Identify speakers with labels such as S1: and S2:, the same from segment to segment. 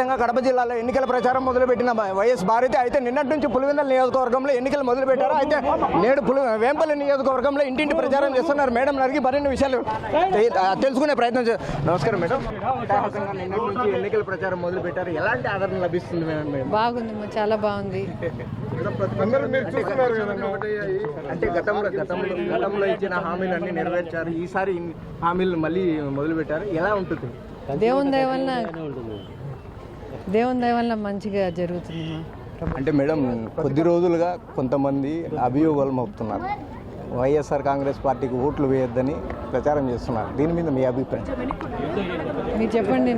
S1: వ్యాప్తంగా కడప జిల్లాలో ఎన్నికల ప్రచారం మొదలుపెట్టిన వైఎస్ భారతి అయితే నిన్నటి నుంచి పులివెందుల నియోజకవర్గంలో ఎన్నికలు మొదలుపెట్టారు. అయితే నేడు వేంపల్లి నియోజకవర్గంలో ఇంటింటి ప్రచారం చేస్తున్నారు. మేడం అడిగి మరిన్ని విషయాలు తెలుసుకునే ప్రయత్నం నమస్కారం మేడం. నిన్నటి నుంచి ఎన్నికల ప్రచారం మొదలుపెట్టారు, ఎలాంటి ఆదరణ లభిస్తుంది మేడం?
S2: బాగుంది, చాలా బాగుంది.
S1: అంటే గతంలో ఇచ్చిన హామీలన్నీ నెరవేర్చారు, ఈసారి హామీలు మళ్ళీ మొదలుపెట్టారు, ఎలా ఉంటుంది?
S2: దేవుని దయ వల్ల మంచిగా జరుగుతుంది.
S1: అంటే మేడం కొద్ది రోజులుగా కొంతమంది అభియోగాలు మోపుతున్నారు, వైఎస్ఆర్ కాంగ్రెస్ పార్టీకి ఓట్లు వేయొద్దని ప్రచారం చేస్తున్నారు. దీని మీద మీ అభిప్రాయం?
S2: మీరు చెప్పండి.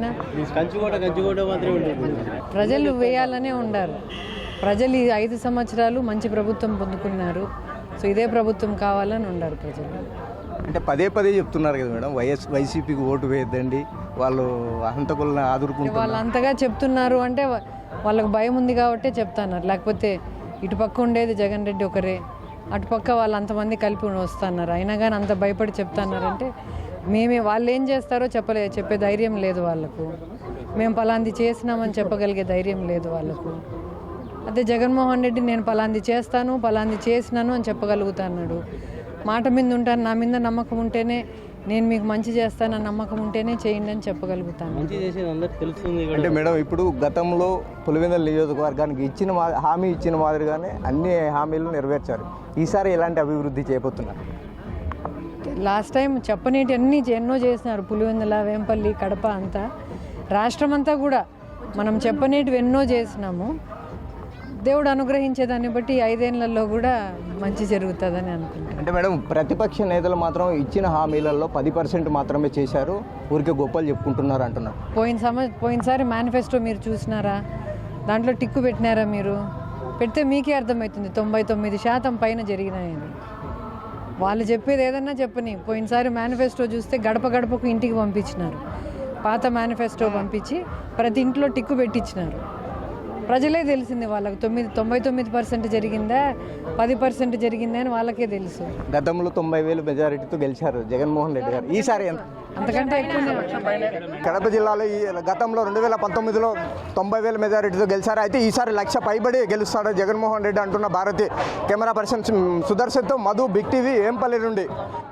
S2: ప్రజలు వేయాలనే ఉండారు. ప్రజలు ఈ 5 సంవత్సరాలు మంచి ప్రభుత్వం పొందుకున్నారు. సో ఇదే ప్రభుత్వం కావాలని ఉండారు ప్రజలు.
S1: అంటే పదే చెప్తున్నారు కదా మేడం, వైసీపీకి ఓటు వేయద్దండి, వాళ్ళు హంతకులను ఆదురుకుంటారు.
S2: వాళ్ళు అంతగా చెప్తున్నారు అంటే వాళ్ళకు భయం ఉంది కాబట్టే చెప్తున్నారు. లేకపోతే ఇటుపక్క ఉండేది జగన్ రెడ్డి ఒకరే, అటుపక్క వాళ్ళు అంతమంది కలిపి వస్తున్నారు. అయినా కానీ అంత భయపడి చెప్తున్నారంటే వాళ్ళు ఏం చేస్తారో చెప్పే ధైర్యం లేదు వాళ్ళకు. మేము పలాంది చేసినామని చెప్పగలిగే ధైర్యం లేదు వాళ్ళకు. అదే జగన్మోహన్ రెడ్డి నేను పలాంది చేస్తాను, పలాంది చేసినాను అని చెప్పగలుగుతున్నాడు. మాట మీద ఉంటాను, నా మీద నమ్మకం ఉంటేనే, నేను మీకు మంచి చేస్తానని నమ్మకం ఉంటేనే చేయండి అని చెప్పగలుగుతాను.
S1: అంటే మేడం ఇప్పుడు గతంలో పులివెందుల నియోజకవర్గానికి హామీ ఇచ్చిన మాదిరిగానే అన్ని హామీలు నెరవేర్చారు. ఈసారి ఎలాంటి అభివృద్ధి చేయబోతున్నారు?
S2: లాస్ట్ టైం చెప్పనేటి ఎన్నో చేసినారు. పులివెందుల, వేంపల్లి, కడప అంతా, రాష్ట్రం అంతా కూడా మనం చెప్పనేటివి ఎన్నో చేసినాము. దేవుడు అనుగ్రహించేదాన్ని బట్టి 5 ఏళ్లలో కూడా మంచి జరుగుతుందని అనుకుంటున్నాను.
S1: అంటే మేడం ప్రతిపక్ష నేతలు మాత్రం ఇచ్చిన హామీలలో 10% మాత్రమే చేశారు, ఊరికే గొప్పలు చెప్పుకుంటున్నారు అంటున్నారు.
S2: పోయినసారి మేనిఫెస్టో మీరు చూసినారా? దాంట్లో టిక్కు పెట్టినారా? మీరు పెడితే మీకే అర్థమవుతుంది 99% పైన జరిగినాయని. వాళ్ళు చెప్పేది ఏదన్నా చెప్పని. పోయినసారి మేనిఫెస్టో చూస్తే గడప గడపకు ఇంటికి పంపించినారు. పాత మేనిఫెస్టో పంపించి ప్రతి ఇంట్లో టిక్కు పెట్టించినారు. ప్రజలే తెలిసింది వాళ్ళకు 99% జరిగిందా 10% జరిగిందా అని వాళ్ళకే తెలుసు.
S1: గతంలో 90,000 మెజారిటీతో గెలిచారు జగన్మోహన్ రెడ్డి గారు. ఈసారి
S2: అంతకంటే ఎక్కువ.
S1: కడప జిల్లాలో గతంలో 2019లో 90,000 మెజారిటీతో గెలిచారు. అయితే ఈసారి 1,00,000 పైబడి గెలుస్తాడు జగన్మోహన్ రెడ్డి అంటున్న భారతి. కెమెరా పర్సన్ సుదర్శన్తో మధు, బిగ్ టీవీ, వేంపల్లి నుండి.